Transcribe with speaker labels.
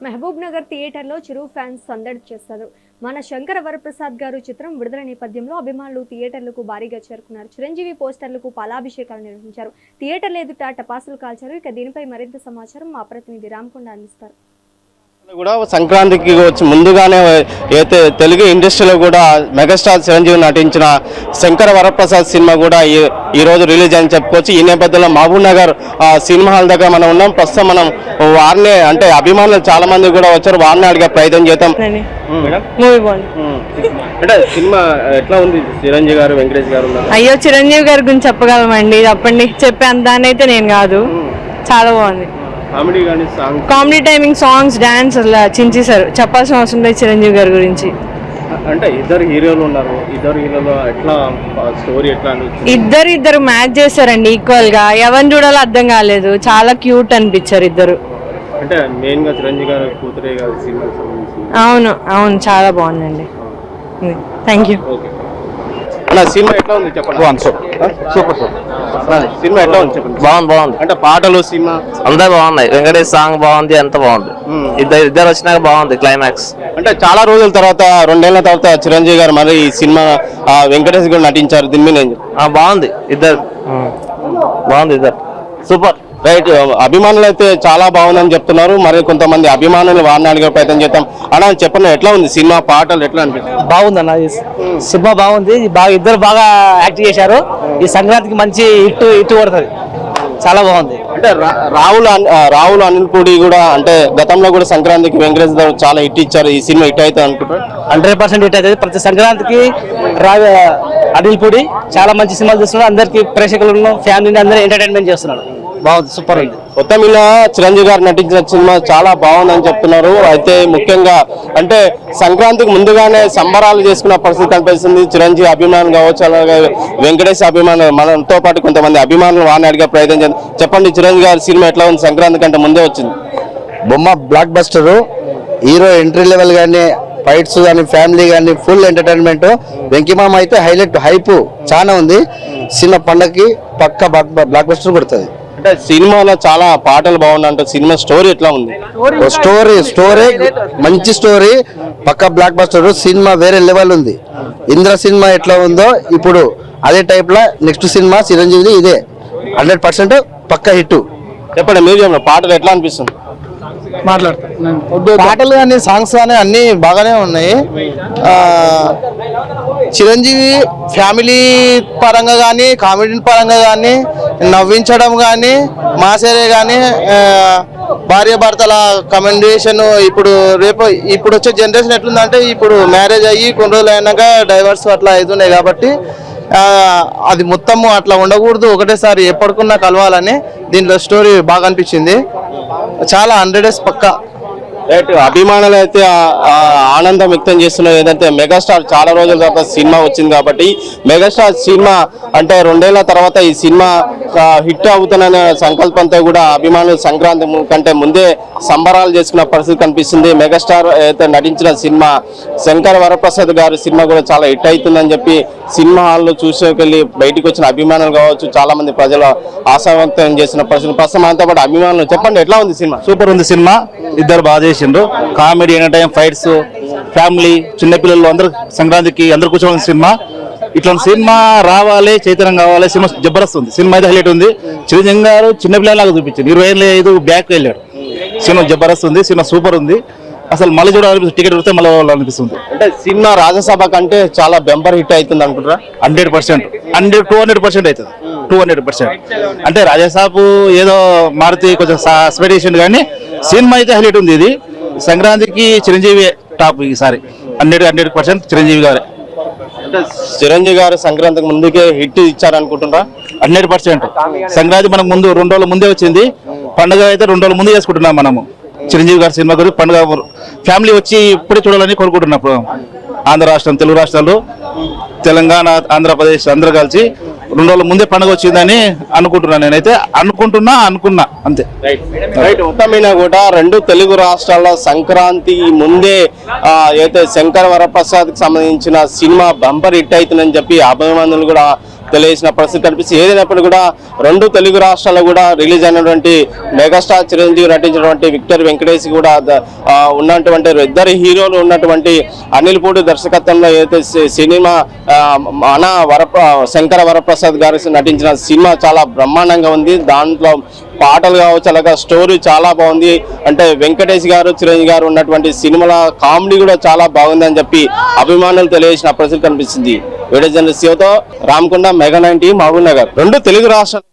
Speaker 1: మహబూబ్ నగర్ థియేటర్లో చిరు ఫ్యాన్స్ సందడి చేశారు. మన శంకర వరప్రసాద్ గారు చిత్రం విడుదల నేపథ్యంలో అభిమానులు థియేటర్లకు భారీగా చేరుకున్నారు. చిరంజీవి పోస్టర్లకు పాలాభిషేకాలు నిర్వహించారు. థియేటర్ల ఎదుట టపాసులు కాల్చారు. ఇక దీనిపై మరింత సమాచారం మా ప్రతినిధి రామకొండ అందిస్తారు.
Speaker 2: కూడా సంక్రాంతికి వచ్చి ముందుగానే అయితే తెలుగు ఇండస్ట్రీలో కూడా మెగాస్టార్ చిరంజీవి నటించిన శంకర వరప్రసాద్ సినిమా కూడా ఈ రోజు రిలీజ్ అని చెప్పుకోవచ్చు. ఈ నేపథ్యంలో మహబూబ్ నగర్ సినిమా హాల్ దగ్గర మనం ఉన్నాం. ప్రస్తుతం మనం వారిని అంటే అభిమానులు చాలా మంది కూడా వచ్చారు. వారిని అడిగే ప్రయత్నం చేద్దాం. అంటే సినిమా ఎట్లా ఉంది? చిరంజీవి గారు, వెంకటేష్ గారు.
Speaker 3: అయ్యో, చిరంజీవి గారి గురించి చెప్పగలమండి? చెప్పండి. చెప్పే అందాన్ని అయితే నేను కాదు. చాలా బాగుంది. కామెడీ టైమింగ్, సాంగ్స్, డాన్స్ అలా చించేశారు. చెప్పాల్సిన అవసరం లేదు చిరంజీవి గారి గురించి.
Speaker 2: అంటే ఇద్దరు హీరోలు ఉన్నారు. ఇద్దరు హీరోలు ఎట్లా స్టోరీ ఎట్లా
Speaker 3: ఇద్దరు మ్యాచ్ చేశారండి ఈక్వల్ గా. ఎవరిని చూడాలో అర్థం కాలేదు. చాలా క్యూట్ అనిపించారు ఇద్దరు.
Speaker 2: అంటే మెయిన్ గా చిరంజీవి గారు కూతురే గారు సినిమా.
Speaker 3: అవును చాలా బాగుందండి. Thank you.
Speaker 2: సినిమా ఎట్లా ఉంది చెప్పండి. సూపర్ సినిమా ఎట్లా ఉంది చెప్పండి. బాగుంది. అంటే పాటలు, సినిమా
Speaker 4: అంతా బాగున్నాయి. వెంకటేష్ సాంగ్ బాగుంది, అంత బాగుంది. ఇద్దరు వచ్చినాక బాగుంది క్లైమాక్స్.
Speaker 2: అంటే చాలా రోజుల తర్వాత, 2 ఏళ్ల తర్వాత చిరంజీవి గారు మరి ఈ సినిమా వెంకటేష్ గారు నటించారు. దీని మీద
Speaker 4: బాగుంది. ఇద్దరు సూపర్.
Speaker 2: రైట్. అభిమానులు అయితే చాలా బాగుందని చెప్తున్నారు. మరి కొంతమంది అభిమానులు వారిని అడిగే ప్రయత్నం చేద్దాం. అలా చెప్పండి, ఎట్లా ఉంది సినిమా? పాటలు ఎట్లా అనిపిస్తుంది?
Speaker 5: బాగుందన్న, సినిమా బాగుంది. ఇద్దరు బాగా యాక్ట్ చేశారు. ఈ సంక్రాంతికి మంచి హిట్ కొడుతుంది. చాలా బాగుంది.
Speaker 2: అంటే రావుల అనిల్ పూడి కూడా అంటే గతంలో కూడా సంక్రాంతికి వెంకటేష్ గారు చాలా హిట్ ఇచ్చారు. ఈ సినిమా హిట్ అవుతుంది అనుకుంటారు?
Speaker 5: 100% హిట్ అవుతుంది. ప్రతి సంక్రాంతికి అనిల్ పూడి చాలా మంచి సినిమాలు చేస్తున్నాడు. అందరికి ప్రేక్షకులను, ఫ్యామిలీని అందరూ ఎంటర్టైన్మెంట్ చేస్తున్నాడు. బాగుంది, సూపర్ ఉంది.
Speaker 2: మొత్తం ఇలా చిరంజీవి గారు నటించిన సినిమా చాలా బాగుందని చెప్తున్నారు. అయితే ముఖ్యంగా అంటే సంక్రాంతికి ముందుగానే సంబరాలు చేసుకున్న పరిస్థితి కనిపిస్తుంది. చిరంజీవి అభిమానులు కావచ్చు, అలాగే వెంకటేష్ అభిమానులు, మనతో పాటు కొంతమంది అభిమానులు వారిని అడిగే ప్రయత్నం చేద్దాం. చెప్పండి, చిరంజీవి గారి సినిమా ఎట్లా ఉంది? సంక్రాంతి కంటే ముందే వచ్చింది.
Speaker 6: బొమ్మ blockbuster. Hero entry level కానీ, ఫైట్స్ కానీ, ఫ్యామిలీ కానీ ఫుల్ ఎంటర్టైన్మెంట్. వెంకీమామ అయితే హైలైట్, హైప్ చాలా ఉంది. సినిమా పండగకి పక్క బ్లాక్ బస్టర్ కొడుతుంది.
Speaker 2: అంటే సినిమాలో చాలా పాటలు బాగున్నాయంటే సినిమా స్టోరీ ఎట్లా ఉంది?
Speaker 6: స్టోరీ మంచి స్టోరీ, పక్క బ్లాక్ బస్టర్. సినిమా వేరే లెవెల్ ఉంది. ఇంద్ర సినిమా ఎట్లా ఉందో ఇప్పుడు అదే టైప్ లా నెక్స్ట్ సినిమా చిరంజీవి ఇదే 100% పక్క హిట్.
Speaker 2: చెప్పండి, మీరు చెప్పండి, పాటలు ఎట్లా అనిపిస్తుంది?
Speaker 6: పాటలు కానీ, సాంగ్స్ కానీ అన్ని బాగానే ఉన్నాయి. చిరంజీవి ఫ్యామిలీ పరంగా కానీ, కామెడీ పరంగా కానీ, నవ్వించడం కానీ, మాసేరే కానీ, భార్య భర్తల కమ్యూనికేషన్. ఇప్పుడు వచ్చే జనరేషన్ ఎట్లుందంటే, ఇప్పుడు మ్యారేజ్ అయ్యి కొన్ని రోజులు అయినాక డైవర్స్ అట్లా అవుతున్నాయి. కాబట్టి అది మొత్తము అట్లా ఉండకూడదు, ఒకటేసారి ఎప్పటికున్నా కలవాలని దీంట్లో స్టోరీ బాగా అనిపించింది. చాలా 100 పక్కా.
Speaker 2: రైట్. అభిమానులు అయితే ఆనందం వ్యక్తం చేస్తున్నారు. ఏదంటే మెగాస్టార్ చాలా రోజుల తర్వాత సినిమా వచ్చింది కాబట్టి మెగాస్టార్ సినిమా అంటే 2 ఏళ్ల తర్వాత ఈ సినిమా హిట్ అవుతుందనే సంకల్పంతో కూడా అభిమానులు సంక్రాంతి కంటే ముందే సంబరాలు చేసుకున్న పరిస్థితి కనిపిస్తుంది. మెగాస్టార్ అయితే నటించిన సినిమా శంకర వరప్రసాద్ గారి సినిమా కూడా చాలా హిట్ అవుతుందని చెప్పి సినిమా హాల్లో చూసేకెళ్ళి బయటకు వచ్చిన అభిమానులు కావచ్చు, చాలా మంది ప్రజలు ఆశావంతం చేసిన పరిస్థితి. ప్రస్తుతం అంతా పాటు అభిమానులు చెప్పండి, ఎట్లా ఉంది సినిమా?
Speaker 7: సూపర్ ఉంది సినిమా. ఇద్దరు బాగా చేసిండ్రు. కామెడీ, ఎంటర్టైన్, ఫైట్స్, ఫ్యామిలీ, చిన్నపిల్లలు అందరూ సంక్రాంతికి అందరు కూర్చోవాల్సిన సినిమా. ఇట్లాంటి సినిమా రావాలి, చైతన్యం కావాలి. సినిమా జబర్దస్త్ ఉంది. సినిమా అయితే హైలైట్ ఉంది. చిరంజీవి గారు చిన్నపిల్లలాగా చూపించింది. 25 బ్యాక్ వెళ్ళాడు. సినిమా జబర్దస్త్ ఉంది. సినిమా సూపర్ ఉంది. అసలు మళ్ళీ చూడాలనిపిస్తుంది. టికెట్ వస్తే మళ్ళీ అనిపిస్తుంది.
Speaker 2: అంటే సినిమా రాజ్యసభ కంటే చాలా బెంబర్ హిట్ అవుతుంది అనుకుంటారా?
Speaker 7: 100%, 200% అవుతుంది. 200%. అంటే రాజసాబ్ ఏదో మారుతి కొంచెం స్పెడ్ చేసిండు కానీ సినిమా అయితే హైలైట్ ఉంది. ఇది సంక్రాంతికి చిరంజీవి టాప్ ఈసారి. 100% చిరంజీవి గారే.
Speaker 2: అంటే చిరంజీవి గారు సంక్రాంతికి ముందుకే హిట్ ఇచ్చారనుకుంటున్నారా?
Speaker 7: 100%. సంక్రాంతి మనకు ముందు 2 రోజుల ముందే వచ్చింది. పండుగ అయితే 2 రోజుల ముందే చేసుకుంటున్నాం మనము. చిరంజీవి గారి సినిమా గురించి పండుగ ఫ్యామిలీ వచ్చి ఇప్పుడే చూడాలని కోరుకుంటున్నప్పుడు ఆంధ్ర రాష్ట్రం, తెలుగు రాష్ట్రాలు, తెలంగాణ, ఆంధ్రప్రదేశ్ అందరూ కలిసి 2 రోజుల ముందే పండుగ వచ్చిందని అనుకుంటున్నాను. నేనైతే అనుకున్నా అంతే.
Speaker 2: రైట్. మొత్తమైన కూడా 2 తెలుగు రాష్ట్రాల్లో సంక్రాంతి ముందే అయితే శంకర వరప్రసాద్ కి సంబంధించిన సినిమా బంపర్ హిట్ అవుతుందని చెప్పి అభిమానులు కూడా తెలియజేసిన పరిస్థితి కనిపిస్తుంది. ఏదైనప్పుడు కూడా రెండు తెలుగు రాష్ట్రాల్లో కూడా రిలీజ్ అయినటువంటి మెగాస్టార్ చిరంజీవి నటించినటువంటి విక్టర్ వెంకటేష్ కూడా ఉన్నటువంటి ఇద్దరు హీరోలు ఉన్నటువంటి అనిల్ పూడి దర్శకత్వంలో ఏదైతే సినిమా మన శంకర వరప్రసాద్ గారు నటించిన సినిమా చాలా బ్రహ్మాండంగా ఉంది. దాంట్లో పాటలు కావచ్చు, అలాగే స్టోరీ చాలా బాగుంది. అంటే వెంకటేష్ గారు చిరంజీవి గారు ఉన్నటువంటి సినిమాల కామెడీ కూడా చాలా బాగుందని చెప్పి అభిమానులు తెలియజేసిన పరిస్థితి కనిపిస్తుంది. వీడియో జర్నలిస్ట్ శివతో రామకొండ, మెగా 9 మహబూబ్ నగర్. రెండు తెలుగు రాష్ట్రాలు